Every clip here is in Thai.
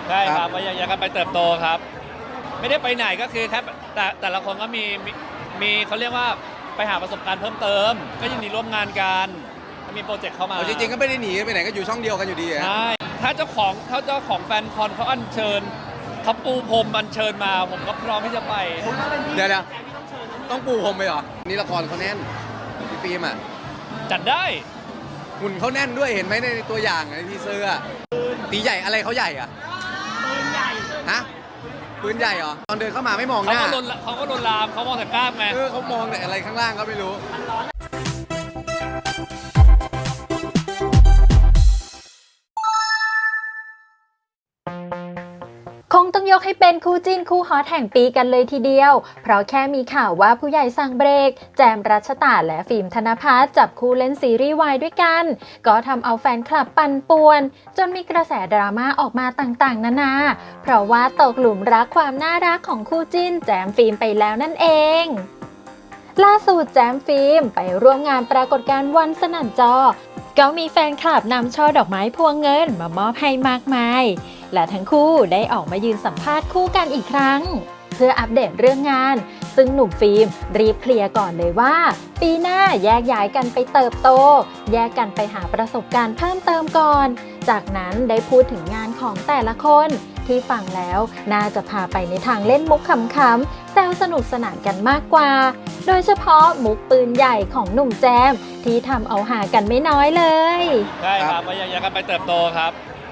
ใช่ครับก็ยังกันไปเติบโตครับไม่ได้ไปไหนก็คือแค่แต่ละคนก็มีเขาเรียกว่าไปหาประสบการณ์เพิ่มเติมก็ยินดีร่วมงานกันมีโปรเจกต์เข้ามาจริงๆก็ไม่ได้หนีไปไหนก็อยู่ช่องเดียวกันอยู่ดีใช่ถ้าเจ้าของแฟนคอนเขาอัญเชิญเขาปูพรมอัญเชิญมาผมก็พร้อมที่จะไปเดี๋ยวต้องปูพรมไปเหรอนี่ละครเขาแน่นพี่ฟิล์มอ่ะจัดได้หุ่นเขาแน่นด้วยเห็นไหมในตัวอย่างในทีเซอร์ตีใหญ่อะไรเขาใหญ่อะปืนใหญ่ฮะปืนใหญ่เหรอตอนเดินเข้ามาไม่มองหน้าเขาก็ลวนลามเขามองแต่กล้ามไงเขามองแต่อะไรข้างล่างก็ไม่รู้คงต้องยกให้เป็นคู่จิ้นคู่ฮอตแห่งปีกันเลยทีเดียวเพราะแค่มีข่าวว่าผู้ใหญ่สั่งเบรกแจมรัชตาและฟิล์มธนภัสจับคู่เล่นซีรีส์วายด้วยกันก็ทำเอาแฟนคลับปั่นป่วนจนมีกระแสดราม่าออกมาต่างๆนานาเพราะว่าตกหลุมรักความน่ารักของคู่จิ้นแจมฟิล์มไปแล้วนั่นเองล่าสุดแจมฟิล์มไปร่วมงานปรากฏการณ์วันสนั่นจอก็มีแฟนคลับนำช่อดอกไม้พวงเงินมามอบให้มากมายและทั้งคู่ได้ออกมายืนสัมภาษณ์คู่กันอีกครั้งเพื่ออัปเดตเรื่องงานซึ่งหนุ่มฟิล์มรีบเคลียร์ก่อนเลยว่าปีหน้าแยกย้ายกันไปเติบโตแยกกันไปหาประสบการณ์เพิ่มเติมก่อนจากนั้นได้พูดถึงงานของแต่ละคนที่ฟังแล้วน่าจะพาไปในทางเล่นมุกขำๆแซวสนุกสนานกันมากกว่าโดยเฉพาะมุกปืนใหญ่ของหนุ่มแจมที่ทำเอาหากันไม่น้อยเลยใช่ครับก็ยังกันไปเติบโตครับ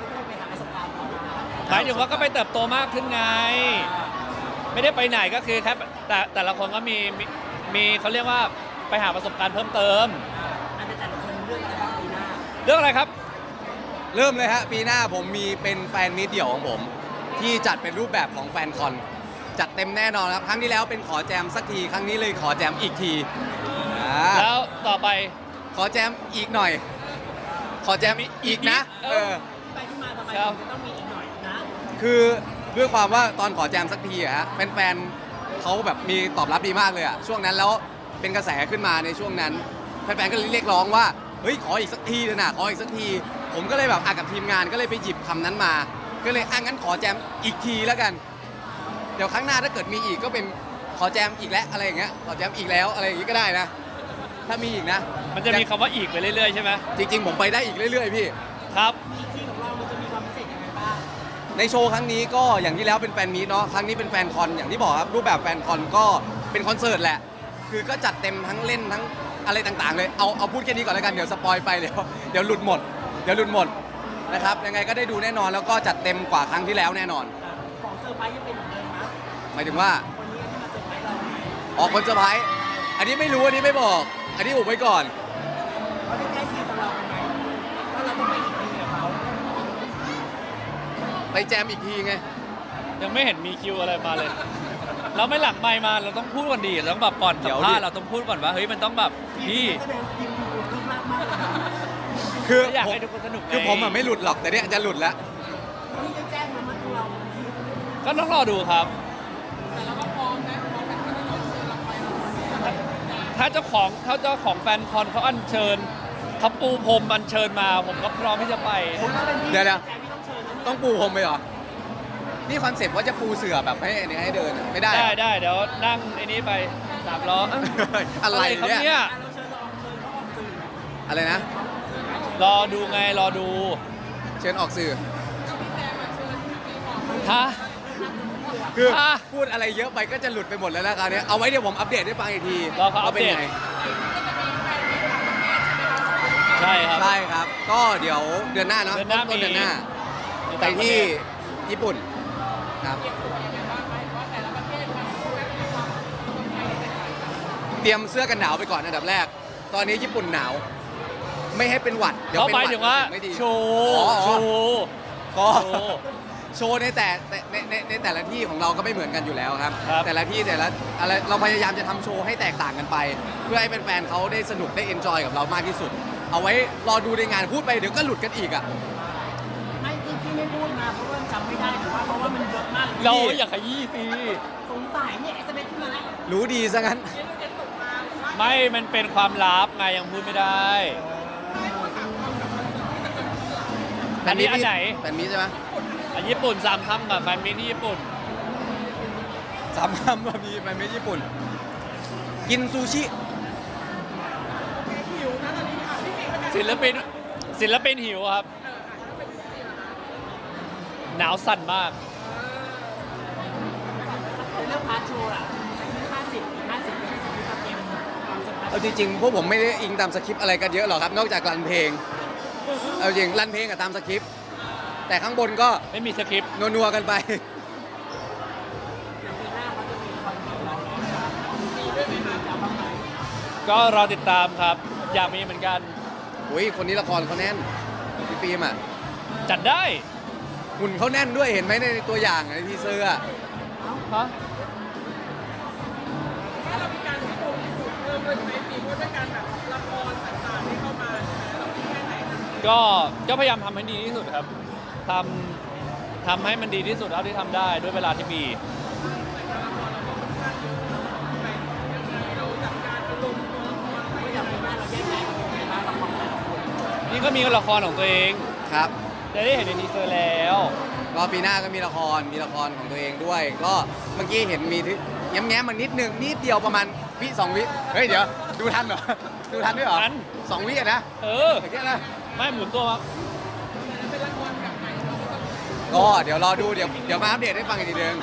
หมายถึงว่าก็ไปเติบโตมากขึ้นไงไม่ได้ไปไหนก็คือแค่แต่ละคนก็มีเขาเรียกว่าไปหาประสบการณ์เพิ่มเติมแต่ละคนเรื่องอะไรบ้างปีหน้าเรื่องอะไรครับเริ่มเลยฮะปีหน้าผมมีเป็นแฟนมีตเดี่ยวของผมที่จัดเป็นรูปแบบของแฟนคอนจัดเต็มแน่นอนครับครั้งที่แล้วเป็นขอแจมสักทีครั้งนี้เลยขอแจมอีกทีแล้วต่อไปขอแจมอีกหน่อยขอแจมอีกนะไปที่มาทำไมจะต้องมีอีกหน่อยนะคือด้วยความว่าตอนขอแจมสักทีอะฮะแฟนๆเขาแบบมีตอบรับดีมากเลยอะช่วงนั้นแล้วเป็นกระแสขึ้นมาในช่วงนั้นแฟนๆก็เรียกร้องว่าเฮ้ยขออีกสักทีเลยนะขออีกสักทีผมก็เลยแบบกับทีมงานก็เลยไปหยิบคำนั้นมาก็เลยงั้นขอแจมอีกทีแล้วกันเดี๋ยวครั้งหน้าถ้าเกิดมีอีกก็เป็นขอแจมอีกแล้วอะไรอย่างเงี้ยขอแจมอีกแล้วอะไรอย่างงี้ก็ได้นะถ้ามีอีกนะมันจะมีคำว่าอีกไปเรื่อยๆใช่ไหมจริงๆผมไปได้อีกเรื่อยๆพี่ครับที่ของเรามันจะมีความพิเศษยังไงบ้างในโชว์ครั้งนี้ก็อย่างที่แล้วเป็นแฟนมีตเนาะครั้งนี้เป็นแฟนคอนอย่างที่บอกครับรูปแบบแฟนคอนก็เป็นคอนเสิร์ตแหละคือก็จัดเต็มทั้งเล่นทั้งอะไรต่างๆเลยเอาพูดแค่นี้ก่อนแล้วกันเดี๋ยวสปอยไปเดี๋ยวหลุดหมดนะครับยังไงก็ได้ดูแน่นอนแล้วก็จัดเต็มกว่าครั้งที่แล้วแน่นอนของเซอร์ไพรส์ยังเป็นเหมือนเดิมนะหมายถึงว่าคนเซอร์ไพรส์อันนี้ไม่รู้อันนี้ไม่บอกอันนี้อุบไว้ก่อนเขาได้ใกล้ชิดกับเราเป็นไงว่าเราต้องไปอีกทีกับเขาไปแจมอีกทีไงยังไม่เห็นมีคิวอะไรมาเลยเราไม่หลังไมค์มาเราต้องพูดก่อนดีเราต้องแบบก่อนสัมภาษณ์เราต้องพูดก่อนว่าเฮ้ยมันต้องแบบพี่คืออยากให้ทุกคนสนุกคือผมไม่หลุดหรอกแต่เนี่ยจะหลุดแล้วก็ต้องรอดูครับถ้าเจ้าของแฟนคอนเขาอัญเชิญเขาปูพรมอัญเชิญมาผมก็พร้อมที่จะไปเดี๋ยวต้องปูพรมไปเหรอนี่คอนเซ็ปต์ว่าจะปูเสื่อแบบให้เดินไม่ได้ได้เดี๋ยวนั่งไอ้นี้ไป3 ล้ออะไรเนี่ยอะไรนะรอดูไงรอดูเชิญออกสื่อฮะคือพูดอะไรเยอะไปก็จะหลุดไปหมดแล้วนะคราวนี้เอาไว้เดี๋ยวผมอัปเดตให้ฟังอีกทีว่าเป็นไงใช่ครับก็เดี๋ยวเดือนหน้าเนาะต้นเดือนหน้าไปที่ญี่ปุ่นครับเตรียมเสื้อกันหนาวไปก่อนอันดับแรกตอนนี้ญี่ปุ่นหนาวไม่ให้เป็นหวัดเดี๋ยวเป็นหวัดถึงว่าโชว์ในแต่ละที่ของเราก็ไม่เหมือนกันอยู่แล้วครับแต่ละที่แต่ละอะไรเราพยายามจะทำโชว์ให้แตกต่างกันไปเพื่อให้แฟนๆเขาได้สนุกได้เอนจอยกับเรามากที่สุดเอาไว้รอดูในงานพูดไปเดี๋ยวก็หลุดกันอีกอ่ะไม่ที่ไม่พูดมาเพราะว่าจำไม่ได้หรือว่าเพราะว่ามันเยอะมากเราอยากขยี้สิสงสัยเนี่ยSMSขึ้นมาแล้วรู้ดีซะงั้นไม่มันเป็นความลับไงยังพูดไม่ได้อันนี้อันไหนแฟนมีใช่ไหมญี่ปุ่น3 คำกับแฟนมิตที่ญี่ปุ่นสามคำมามีไปไม่ญี่ปุ่น กินซูชิศิลปินหิวครับ หนาวสั่นมากเรื่องพาร์ทโชว์อะ50ไม่ใช่สกิปต์เกมความสำคัญเอาจริงๆพวกผมไม่ได้อิงตามสคริปต์อะไรกันเยอะหรอกครับ นอกจากรันเพลง เอาจริงรันเพลงกับตามสคริปต์แต่ข้างบนก็ไม่มีสคริปต์นัวๆกันไปอย่างปีหน้าเขาจะมีคอนเสิร์ตเราแล้วมีด้วยไหมคะจะเอาบ้างไหมก็รอติดตามครับ อยากมีเหมือนกันอุ้ยคนนี้ละครเขาแน่นพี่ฟิล์มอ่ะจัดได้หุ่นเขาแน่นด้วยเห็นไหมในตัวอย่างในทีเซอร์อ่ะฮะก็พยายามทำให้ดีที่สุดครับทำให้มันดีที่สุดเท่าที่ทำได้ด้วยเวลาที่มีก็อย่างปีหน้าเราแยกย้ายกันไปบ้างละครแต่ละคนนี่ก็มีละครของตัวเองครับจะได้เห็นในทีเซอร์แล้วก็ปีหน้าก็มีละครของตัวเองด้วย ก็เมื่อกี้เห็นมีแง้มๆมานิดนึงนิดเดียวประมาณวิ2 วิเฮ้ยเดี๋ยวดูทันเหรอ ดูทันด้วยเหรอทัน 2 วิอะนะเอออย่างเงี้ยนะไม่หมุนตัวมาก็เดี๋ยวรอดูเดี๋ยวมาอัปเดตให้ฟังอีกทีนึง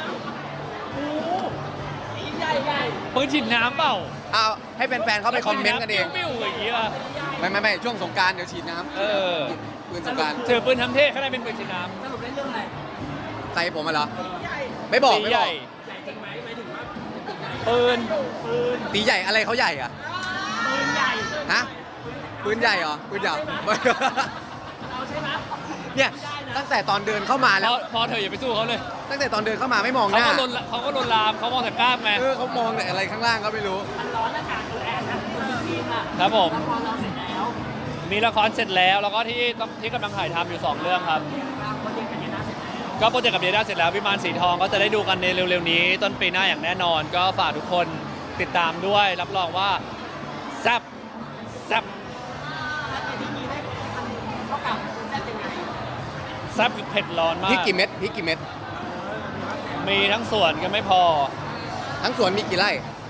ใหญ่ใหญ่ปืนฉีดน้ำเปล่าเอาให้แฟนๆเขาไปคอมเมนต์กันเองปิ้วๆอย่างนี้ป่ะไม่ช่วงสงกรารเดี๋ยวฉีดน้เออำปืนสงกรารถือปืนทำเท่ข้างในเป็นปืนฉีดน้สรุปได้เรื่องอะไรใส่ผมมาเหรอ ไม่บอกำตีไม่ใหบอญ่กใหญ่จริงไหมหมายถึงว่าเป็นใหญ่ปืนตีใหญ่อะไรเขาใหญ่อะปืนใหญ่ฮะปืนใหญ่เหรอปืนใหญ่เราใช่ไหมเนี่ยตั้งแต่ตอนเดินเข้ามาแล้วพอเธออย่าไปสู้เขาเลยตั้งแต่ตอนเดินเข้ามาไม่มองหเขาน้าก็ลวนลามเขามองแต่กล้ามไงเขามองแต่อะไรข้างล่างก็ไม่รู้มันร้อนอากาศแรงนะทีมอะครับผมละครเราเสร็จแล้วมีละครเสร็จแล้วแล้วก็ที่กำลังถ่ายทำอยู่ 2 เรื่องครับโปรเจกต์กันยานาเสร็จแล้วก็โปรเจกต์กับเดียด้าเสร็จแล้ววิมานสีทองก็จะได้ดูกันในเร็วๆนี้ ต้นปีหน้าอย่างแน่นอน ก็ฝากทุกคนติดตามด้วย รับรองว่าแซ่บแซ่บถ้าในที่นี้ได้ทำเท่ากับแซ่บยังไงแซ่บคือเผ็ดร้อนมาพริกกกี่เม็ดพริกกี่เม็ดมีทั้งสวนก็ไม่พอทั้งสวนมีกี่ไร่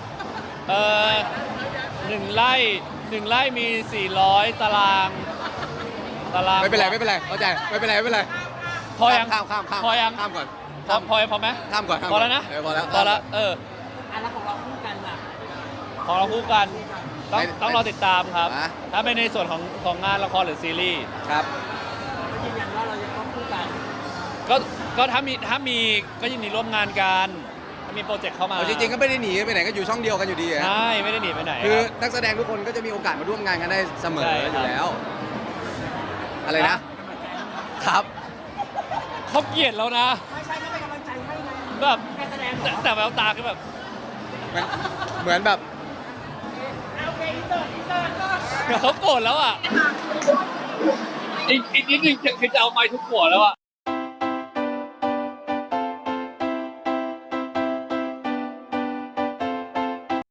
หนึ่งไร่มี 400 ตารางไม่เป็นไรเข้าใจไม่เป็นไรพอยังข้ามพอยังข้ามก่อนพอไหมข้ามก่อนพอแล้วนะพอแล้วพอแล้วเอออันแล้วของเราคู่กันล่ะของเราคู่กันต้องรอติดตามครับนะถ้าเป็นในส่วนของงานละครหรือซีรีส์ครับยืนยันว่าเรายังต้องคู่กันก็ถ้ามีก็ยินดีร่วมงานกันถ้ามีโปรเจกต์เข้ามาเอาจริงๆก็ไม่ได้หนีไปไหนก็อยู่ช่องเดียวกันอยู่ดีอะใช่ไม่ได้หนีไปไหนคือรับนักแสดงทุกคนก็จะมีโอกาสมาร่วมงานกันได้เสมอใช่ครับอยู่แล้ว อะไรนะ ครับเขาเกลียดแล้วนะไม่ใช่ก็เป็นกำลังใจให้ไงแบบการแสดงแต่แววตาคือแบบเหมือนแบบโอเคอินเตอร์ก็เขาโกรธแล้วอ่ะอีกนิดนึงคือจะเอาไม้ทุบหัวแล้วอ่ะ